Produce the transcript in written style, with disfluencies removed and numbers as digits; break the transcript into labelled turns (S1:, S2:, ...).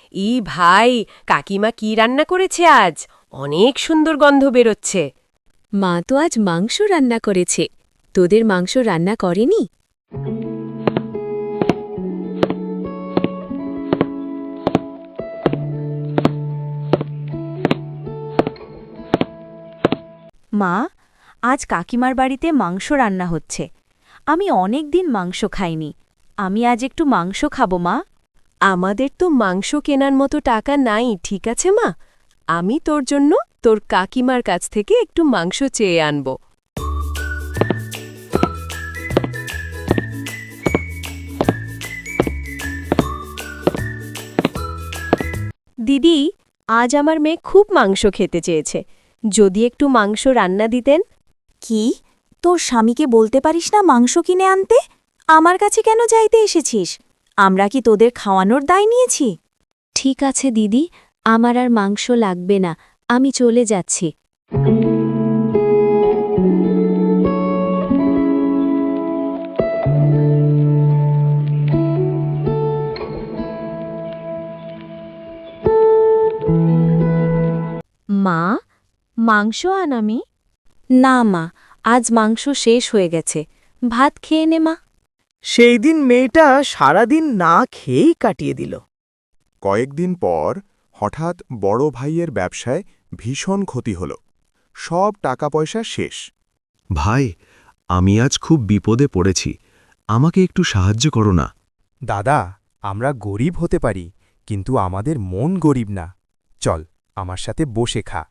S1: ভাই, কাকিমা কি রান্না করেছে আজ? অনেক সুন্দর গন্ধ বেরোচ্ছে।
S2: মা তো আজ মাংস রান্না করেছে। তোদের মাংস রান্না করেনি?
S3: মা, আজ কাকিমার বাড়িতে মাংস রান্না হচ্ছে। আমি অনেক দিন মাংস খাইনি। আমি আজ একটু মাংস খাবো মা।
S1: আমাদের তো মাংস কেনার মতো টাকা নাই, ঠিক আছে মা? আমি তোর জন্য তোর কাকিমার কাছ থেকে একটু মাংস চেয়ে আনব।
S3: দিদি, আজ আমার মেয়ে খুব মাংস খেতে চেয়েছে। যদি একটু মাংস রান্না দিতেন। কি? তোর স্বামীকে বলতে পারিস না মাংস কিনে আনতে? আমার কাছে কেন চাইতে এসেছিস? আমরা কি তোদের খাওয়ানোর দায় নিয়েছি?
S2: ঠিক আছে দিদি, আমার আর মাংস লাগবে না, আমি চলে যাচ্ছি।
S3: মা, মাংস আন আমি। না মা, আজ মাংস শেষ হয়ে গেছে। ভাত খেয়ে নে মা।
S4: সেই দিন মেয়েটা সারাদিন না খেয়েই কাটিয়ে দিল।
S5: কয়েকদিন পর হঠাৎ বড় ভাইয়ের ব্যবসায় ভীষণ ক্ষতি হল। সব টাকা পয়সা শেষ।
S6: ভাই, আমি আজ খুব বিপদে পড়েছি, আমাকে একটু সাহায্য করো না।
S7: দাদা, আমরা গরিব হতে পারি, কিন্তু আমাদের মন গরিব না। চল, আমার সাথে বসে খা।